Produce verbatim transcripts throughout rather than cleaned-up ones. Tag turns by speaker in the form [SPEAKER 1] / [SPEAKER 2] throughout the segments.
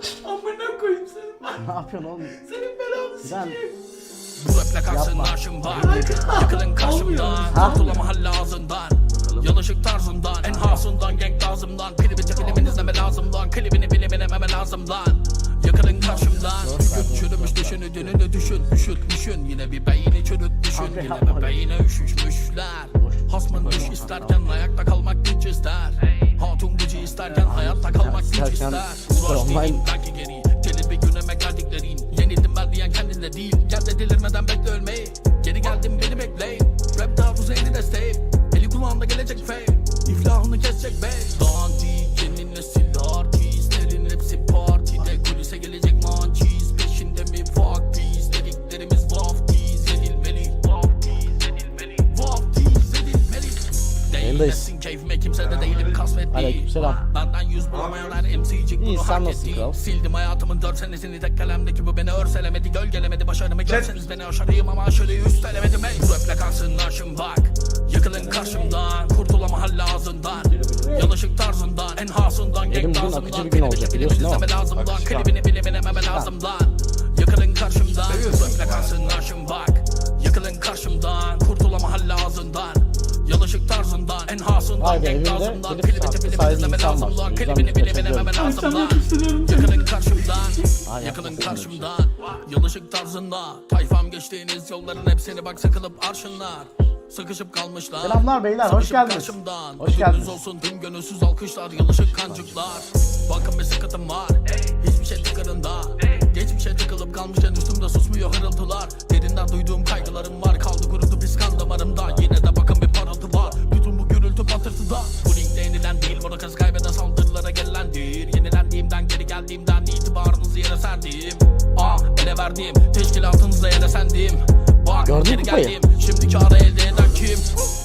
[SPEAKER 1] Amına koyayım seni.
[SPEAKER 2] Ne yapıyorsun oğlum?
[SPEAKER 1] Senin belanı sikeyim.
[SPEAKER 3] Bu raple kalsın arşım var. Yakılın karşımdan. Kurtulama hal ağzından. Yanlışlık tarzından. En hasından genk lazımdan. Pili bitti filmin izleme lazımdan. Klibini bilemememe lazımdan. Yakılın karşımdan. Gün çürümüş düşünü dönünü düşün. Üşüt düşün. Yine bir beyni çürüt düşün. Yine bir beyine üşüşmüşler. Hasmın düş isterken ayakta kalmak güç ister. Hatun gücü isterken hayatta kalmak güç ister. Uğraş değil belki geri. Gelir bir gün emek verdiklerin. Yenildim ben diyen kendinde değil. Gel de delirmeden bekle ölmeyi. Geri geldim beni bekleyin. Rap taarruzu eli desteğim. Eli kulağımda gelecek fame. İflahını kesecek bey. Dandik yeni nesil artistlerin hepsi partide. Kulise gelecek mançiz. Peşinde mi fuck peace. Dediklerimiz vaftiz edilmeli. Vaftiz edilmeli. Vaftiz edilmeli. Değilmesin keyfime kimse de değilim kasvetli.
[SPEAKER 2] Aleykümselam.
[SPEAKER 3] Benden yüz bulamayanlar M C'cik
[SPEAKER 2] İyi,
[SPEAKER 3] bunu
[SPEAKER 2] sen
[SPEAKER 3] hak
[SPEAKER 2] nasılsın
[SPEAKER 3] etti.
[SPEAKER 2] kral?
[SPEAKER 3] Sildim hayatımın dört senesini tek kalemdeki bu beni örselemedi. Gölgelemedi başarımı görseniz beni aşarıyım ama aşırıyı üstelemedim ey. Bu raple kalsın arşım bak. Yıkılın karşımdan. Kurtulama hal ağzından. Yanlışlık tarzından. En hasından
[SPEAKER 2] Benim
[SPEAKER 3] genk
[SPEAKER 2] bugün
[SPEAKER 3] lazımdan.
[SPEAKER 2] akıcı bir gün olacak, biliyorsun değil mi?
[SPEAKER 3] izleme lazımdan. Klibini bilemememe lazımdan. Yıkılın karşımdan. Bu raple kalsın arşım bak. Yıkılın karşımdan. Kurtulama hal ağzından. Yanlışlık tarzından. En hasından
[SPEAKER 2] Vay be,
[SPEAKER 3] genk
[SPEAKER 2] evinde
[SPEAKER 3] lazımdan.
[SPEAKER 2] klip
[SPEAKER 3] Klibini
[SPEAKER 2] sattı,
[SPEAKER 3] filmi
[SPEAKER 2] sahibi
[SPEAKER 3] izleme
[SPEAKER 2] insan var.
[SPEAKER 3] lazımdan.
[SPEAKER 2] Yüzden
[SPEAKER 3] Klibini
[SPEAKER 2] birkaç
[SPEAKER 3] bilemememe
[SPEAKER 2] yazıyorum.
[SPEAKER 1] Akşam
[SPEAKER 3] lazımdan.
[SPEAKER 1] yapıştırıyorum seni.
[SPEAKER 3] Yakının karşımdan.
[SPEAKER 2] Aa,
[SPEAKER 3] Yakının
[SPEAKER 2] yapmasın
[SPEAKER 3] karşımdan. Yanlışlık tarzında. Tayfam geçtiğiniz yolların hepsini bak sıkılıp arşınlar. Sıkışıp kalmışlar.
[SPEAKER 2] Selamlar beyler, hoş
[SPEAKER 3] Sıkışıp
[SPEAKER 2] geldiniz.
[SPEAKER 3] karşımdan.
[SPEAKER 2] Hoş geldiniz.
[SPEAKER 3] olsun tüm gönülsüz alkışlar. Yanlışlık kancıklar. Bakın bir sıkıntım var. Hiçbir şey tıkırında. Geçmişe tıkılıp kalmışken üstümde susmuyor hırıltılar. Derinden duyduğum kaygılarım var. Kaldı kurudu pis kan damarımda. Yine de bakın bir parıltı var. Bütün bu gürültü patırtıda. Bu ligde yenilen değil. Burada kız kaybeden saldırılara gelendir. Yenilendiğimden geri geldiğimden itibarınızı yere serdim. Ah ele verdim. Teşkilatınıza ele sendim. Bak
[SPEAKER 2] Gördün
[SPEAKER 3] geri
[SPEAKER 2] mü kupayı?
[SPEAKER 3] geldim. Şimdi kârı elde eden kim?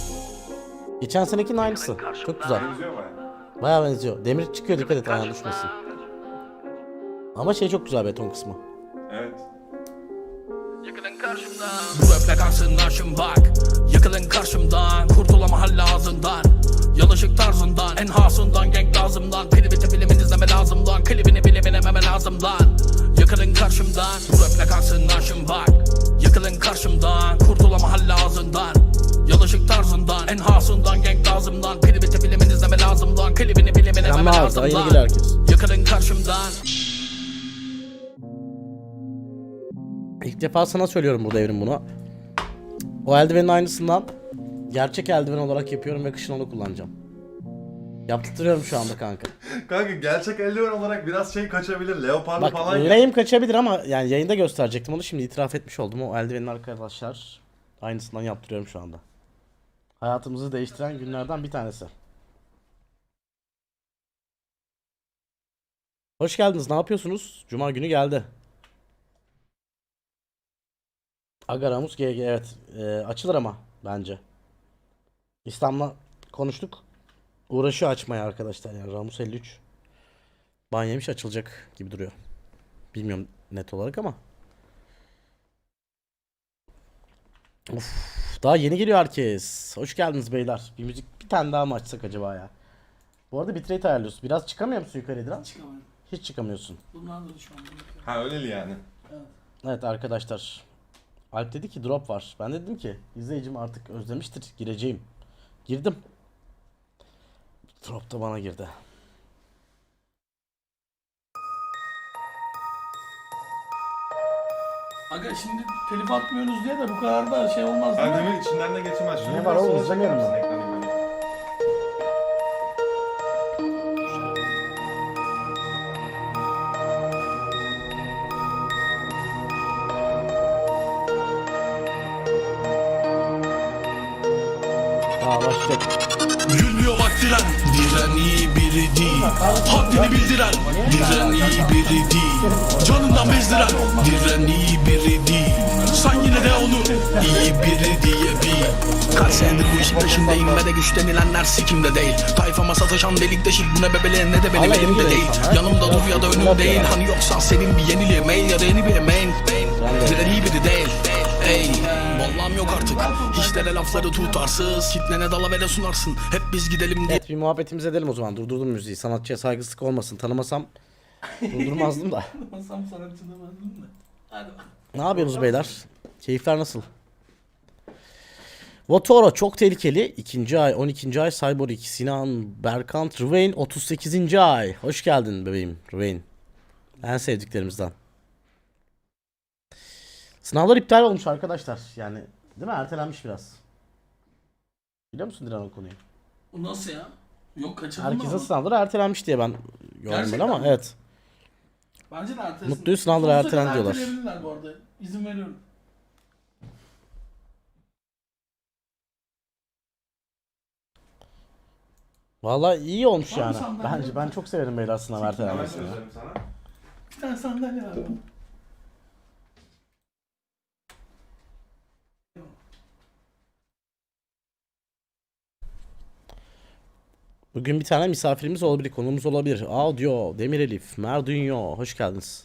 [SPEAKER 2] Geçen senekinin aynısı. Çok güzel.
[SPEAKER 4] Benziyor baya.
[SPEAKER 2] Bayağı benziyor. Demir çıkıyor, dikkat et ayağına düşmesin. Ama şey çok güzel, beton kısmı.
[SPEAKER 4] Evet.
[SPEAKER 3] Yıkılın karşımdan. Bu raple kalsın arşım bak. Yıkılın karşımdan. Kurtulama hal ağzından. Yanlışlık tarzından. En hasından genk lazımdan. Pili bitti filmin izleme lazımdan. Klibini bilemememe lazımdan. Yıkılın karşımdan. Bu raple kalsın arşım bak. Yıkılın karşımdan. Kurtulama hal ağzından. Yanlışlık tarzından. En hasından genk lazımdan. Pili bitti filmin izleme lazımdan. Klibini bilemememe
[SPEAKER 2] Selamlar, daha yeni
[SPEAKER 3] lazımdan.
[SPEAKER 2] geliyor herkes.
[SPEAKER 3] Yıkılın karşımdan.
[SPEAKER 2] İlk defa sana söylüyorum burada Evrim bunu. O eldivenin aynısından gerçek eldiven olarak yapıyorum ve kışın onu kullanacağım. Yaptırıyorum şu anda kanka.
[SPEAKER 4] Kanka gerçek eldiven olarak biraz şey kaçabilir. Leopardı
[SPEAKER 2] Bak
[SPEAKER 4] falan. ya.
[SPEAKER 2] lame kaçabilir ama yani yayında gösterecektim onu, şimdi itiraf etmiş oldum. O eldivenin arkadaşlar aynısından yaptırıyorum şu anda. Hayatımızı değiştiren günlerden bir tanesi. Hoş geldiniz. Ne yapıyorsunuz? Cuma günü geldi. Aga Ramus G G, evet. Ee, açılır ama bence. İslam'la konuştuk. Uğraşıyor açmaya arkadaşlar, yani Ramus elli üç. Ban yemiş, açılacak gibi duruyor. Bilmiyorum net olarak ama. Uf, daha yeni geliyor herkes. Hoş geldiniz beyler. Bir müzik bir tane daha mı açsak acaba ya? Bu arada bitrate ayarlıyorsun. Biraz çıkamıyor musun yukarı Edran?
[SPEAKER 1] Çıkamıyorum.
[SPEAKER 2] Hiç çıkamıyorsun.
[SPEAKER 1] Bundan da şu an.
[SPEAKER 4] Ha öyleli yani.
[SPEAKER 2] Evet arkadaşlar. Alp dedi ki drop var. Ben de dedim ki izleyicim artık özlemiştir, gireceğim. Girdim. Drop da bana girdi.
[SPEAKER 1] Aga şimdi telif atmıyoruz diye de bu kadar da şey olmaz değil
[SPEAKER 4] Ben
[SPEAKER 1] mi?
[SPEAKER 4] demin içinden de geçemez. Şunu
[SPEAKER 2] Ne
[SPEAKER 4] biraz
[SPEAKER 2] var oğlum,
[SPEAKER 4] sola
[SPEAKER 2] izlemiyorum
[SPEAKER 4] çeker
[SPEAKER 2] ben.
[SPEAKER 4] misin ekranı böyle?
[SPEAKER 2] Aa başlayacak.
[SPEAKER 3] Gülmüyor bak diren. Diren iyi biri değil. Haddini bildiren. Diren iyi biri değil. Canından bezdiren. Diren iyi biri değil. Sen yine de onu iyi biri diye bil. Kaç senedir bu işin peşindeyim ve de güç denilenler sikimde değil. Tayfama sataşan delik deşik bu ne bebeleğin ne de benim
[SPEAKER 2] Vallahi
[SPEAKER 3] elimde
[SPEAKER 2] iyi
[SPEAKER 3] değil.
[SPEAKER 2] insan, ha?
[SPEAKER 3] Yanımda dur ya da önüm değil. Hani yoksa senin bir yeniliğe mail ya da yeni bir mail. Diren iyi biri değil. Ey vallahi yok artık. Hiçlere lafları tutarsız. Kitlene dalavere sunarsın. Hep biz gidelim diye.
[SPEAKER 2] Evet, bir muhabbetimiz edelim o zaman. Durdurdum müziği. Sanatçıya saygısızlık olmasın. Tanımasam Durdurmazdım da.
[SPEAKER 1] Masam sanatçı demezdim de. Hadi bak.
[SPEAKER 2] Ne yapıyorsunuz beyler? Keyifler nasıl? Votoro çok tehlikeli. ikinci ay, on ikinci ay Cyborg iki, Sinan, Berkant, Rvain otuz sekizinci ay. Hoş geldin bebeğim Rvain. En sevdiklerimizden. Sınavlar iptal olmuş arkadaşlar. Yani değil mi? Ertelenmiş biraz. Biliyor musun Dilan o konuyu?
[SPEAKER 1] Bu nasıl ya? Yok kaçırdın mı
[SPEAKER 2] Herkesin
[SPEAKER 1] ama?
[SPEAKER 2] sınavları ertelenmiş diye ben gördüm
[SPEAKER 1] Gerçekten
[SPEAKER 2] ama
[SPEAKER 1] mi?
[SPEAKER 2] evet.
[SPEAKER 1] Bence de ertelesin.
[SPEAKER 2] Mutluyuz, sınavları
[SPEAKER 1] Sonsuza
[SPEAKER 2] ertelen
[SPEAKER 1] kadar
[SPEAKER 2] diyorlar.
[SPEAKER 1] erteleyebilirler bu arada. İzin veriyorum.
[SPEAKER 2] Vallahi iyi olmuş
[SPEAKER 1] Var mı
[SPEAKER 2] yani.
[SPEAKER 1] sandalye?
[SPEAKER 2] Bence ben çok severim beyler sınav
[SPEAKER 4] Hemen
[SPEAKER 2] ertelenmesini.
[SPEAKER 4] göstereyim sana.
[SPEAKER 1] Bir tane sandalye var.
[SPEAKER 2] Bugün bir tane misafirimiz olabilir, konuğumuz olabilir. Audio, Demir Elif, Merdunyo, hoş geldiniz.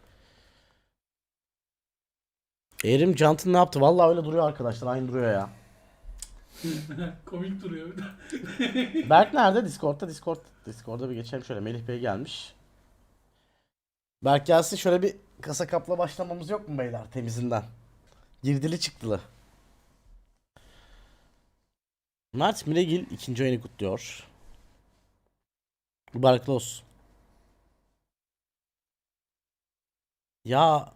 [SPEAKER 2] Erim Cant'ın ne yaptı? Vallahi öyle duruyor arkadaşlar, aynı duruyor ya.
[SPEAKER 1] Komik duruyor bir de.
[SPEAKER 2] Berk nerede? Discord'da, Discord. Discord'da bir geçelim şöyle. Melih Bey gelmiş. Berk gelsin, şöyle bir kasa kapla başlamamız yok mu beyler temizinden? Girdili çıktılı. Mert Miregil ikinci oyunu kutluyor. Mübarekli olsun. Ya